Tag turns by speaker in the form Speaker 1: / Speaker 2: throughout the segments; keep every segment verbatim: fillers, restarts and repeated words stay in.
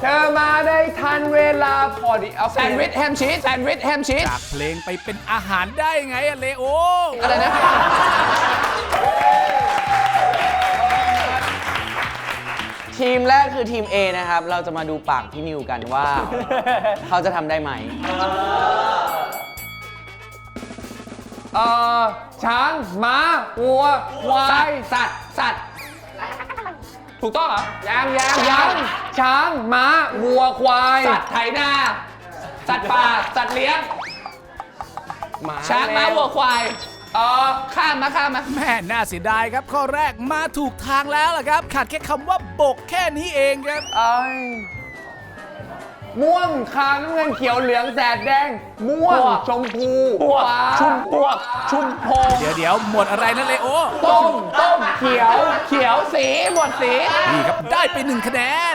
Speaker 1: เธอมาได้ทันเวลาพอดีเอาแซนด์วิชแฮมชีสแซนด์วิชแฮมชีส
Speaker 2: จากเพลงไปเป็นอาหารได้ไงอะเลโอ
Speaker 1: อะไรนะทีมแรกคือทีม A นะครับ เราจะมาดูปากพี่นิวกันว่า เขาจะทำได้ไหมเอ่อช้างม้าวัวควายสัตว์สัตว์ถูกต้องเหรอยังยังยังช้างม้าวัวควายสัตว์ไถนาสัตว์ป่าสัตว์เลี้ยงช้างม้าวัวควายเออข้ามมาข้ามมา
Speaker 2: แม่น่าเสียดายครับข้อแรกมาถูกทางแล้วล่ะครับขาดแค่คำว่าบกแค่นี้เองครับ
Speaker 1: เอ้ยม่วงขาวน้ำเงินเขียวเหลืองแสดแดงม่วงชมพูฟ้าชุมพวกชุมพง
Speaker 2: เดี๋ยวเดี๋ยวหมดอะไรนะเลโอ
Speaker 1: ต้มต้มเขียวเขียวสีหมดสี
Speaker 2: นี่ครับได้ไปหนึ่งคะแนน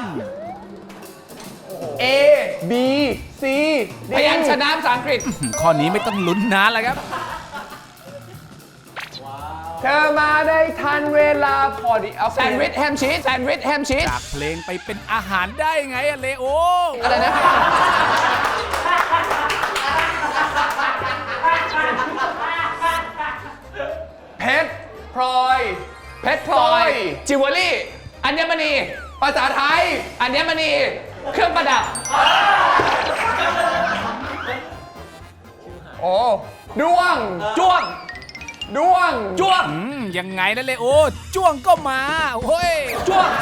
Speaker 1: A B C D พยัญชนะภาษาอังกฤษ
Speaker 2: ข้อนี้ไม่ต้องลุ้นนานแล้วครับ
Speaker 1: เธอมาได้ทันเวลาพอดีเอาแซนด์วิชแฮมชีสแซนด์วิชแฮมชีส
Speaker 2: จากเพลงไปเป็นอาหารได้ไงอะเลโอ
Speaker 1: อะไรนะเพชรพลอยเพชรพลอยจิวเวลรี่อัญมณีภาษาไทยอัญมณีเครื่องประดับโอ้ด้วงจ้วงด้วงจ้วง
Speaker 2: อืมยังไงนะเลโอจ้วงก็มาเฮ้ย
Speaker 1: จ้วง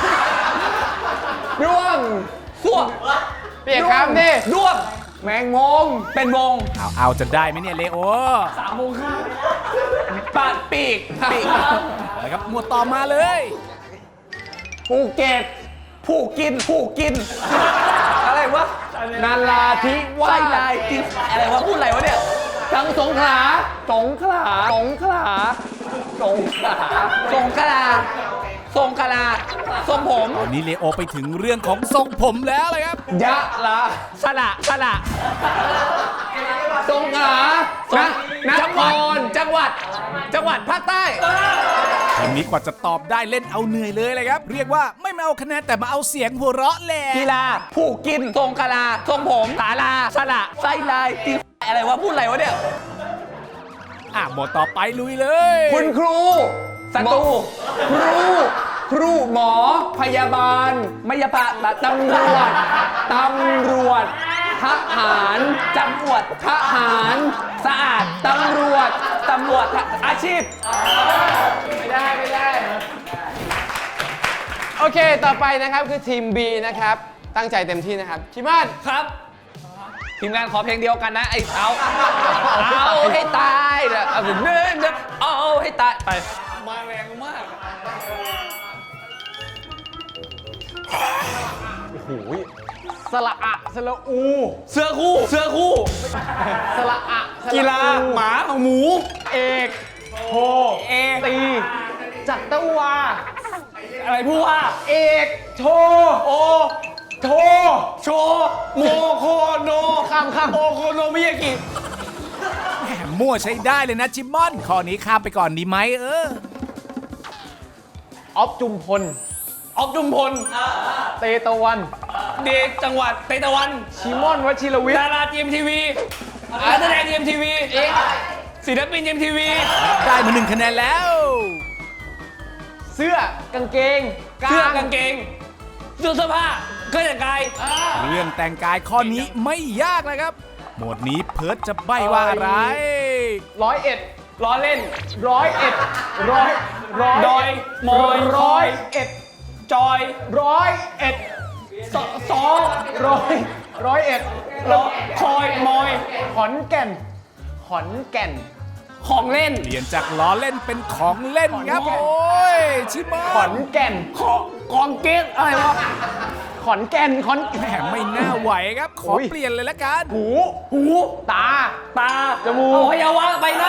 Speaker 1: ด้วงส้วงเปลี่ยนคำดิด้วงแมงมงเป็นวง
Speaker 2: เอาเอาจะได้ไหมเนี่ยเลโอ
Speaker 1: สามโมงครึ่งปาดปีกปีก
Speaker 2: ไปครับหมวดต่อมาเลย
Speaker 1: ภูเก็ตผู้กินผู้กิน อะไรวะนาราธิวาสไส้ลายกินอะไรวะพูดอะไรวะเนี่ยสังสงขลาสงขลาสงขลาสงขลาสงขลาสงขลาทรงผม
Speaker 2: ตอนนี้เลโอไปถึงเรื่องของทรงผมแล้วเลยครับ
Speaker 1: ยะลาสระสระสงขลานะนครจังหวัด จังหวัดภาคใต้
Speaker 2: ทีนี้กว่าจะตอบได้เล่นเอาเหนื่อยเลยเลยครับ เรียกว่าไม่มาเอาคะแนนแต่มาเอาเสียงหัวเราะแหละ
Speaker 1: กีฬาผู้กินทรงกลาทรงผมสาลาสระไส้ลายตีอะไรวะพูดอะไรวะเนี่ย
Speaker 2: อ่ะหมวดต่อไปลุยเลย
Speaker 1: คุณครูศัตรูครูครูหมอพยาบาลมยาบาลตำรวจตำรวจทหารจำรวจทหารสะอาดตำรวจตำรวจอาชีพไม่ได้ไม่ได้โอเคต่อไปนะครับคือทีม B นะครับตั้งใจเต็มที่นะครับชิมาศครับทีมงานขอเพลงเดียวกันนะไอ้เอาเอาให้ตายเด้อเอาเนื้อเนื้อเอาให้ตายไปมาแรงมากโอ้โหสระอะสระอูเสื้อคู่เสื้อคู่สระอะกีฬาหมาหมูเอกโทเอตีจัตวาอะไรพูดว่าเอกโทโอโทโชโมโคโนข้ามข้ามโอโคโนมิยากิ
Speaker 2: แหมมั่วใช้ได้เลยนะจิมมอน ข้อนี้ข้ามไปก่อนดีไหมเออ
Speaker 1: ออฟจุมพลออฟจุมพลเตตะวันเดชจังหวัดเตตะวันชิมอนวชิรวิทย์ดาราทีมทีวีนักแสดงทีมทีวีศิลปินทีมทีวี
Speaker 2: ได้มาหนึ่งคะแนนแล้ว
Speaker 1: เสื้อกางเกงเสื้อกางเกงเสื้อเสื้อผ้าเครื่องแต่งกาย
Speaker 2: เรื่องแต่งกายข้อนี้ไม่ยากเลยครับ หมวดนี้เพิร์ทจะใบ้ว่าอะไร
Speaker 1: ร้อยเอ็ดร้อยเล่นร้อยเอ็ดร้อยร้อยดอยมอยร้อยเอ็ดจอยร้อยเอ็ดสสองร้อยร้อยเอ็ดคอยมอยขอนแก่นขอนแก่นของเล่น
Speaker 2: เปลี่ยนจากล้อเล่นเป็นของเล่นครับ
Speaker 1: ขอนแก่น
Speaker 2: โอ้ยชิมอ
Speaker 1: ขอน นแก่นขอกองเกตอะไรวะขอนแก่นขอน
Speaker 2: แหมไม่น่าไหวครับ ขอ
Speaker 1: โอ้ย
Speaker 2: เปลี่ยนเลยละกัน
Speaker 1: หูหูตาตาจมูกอวัยวะใบหน้า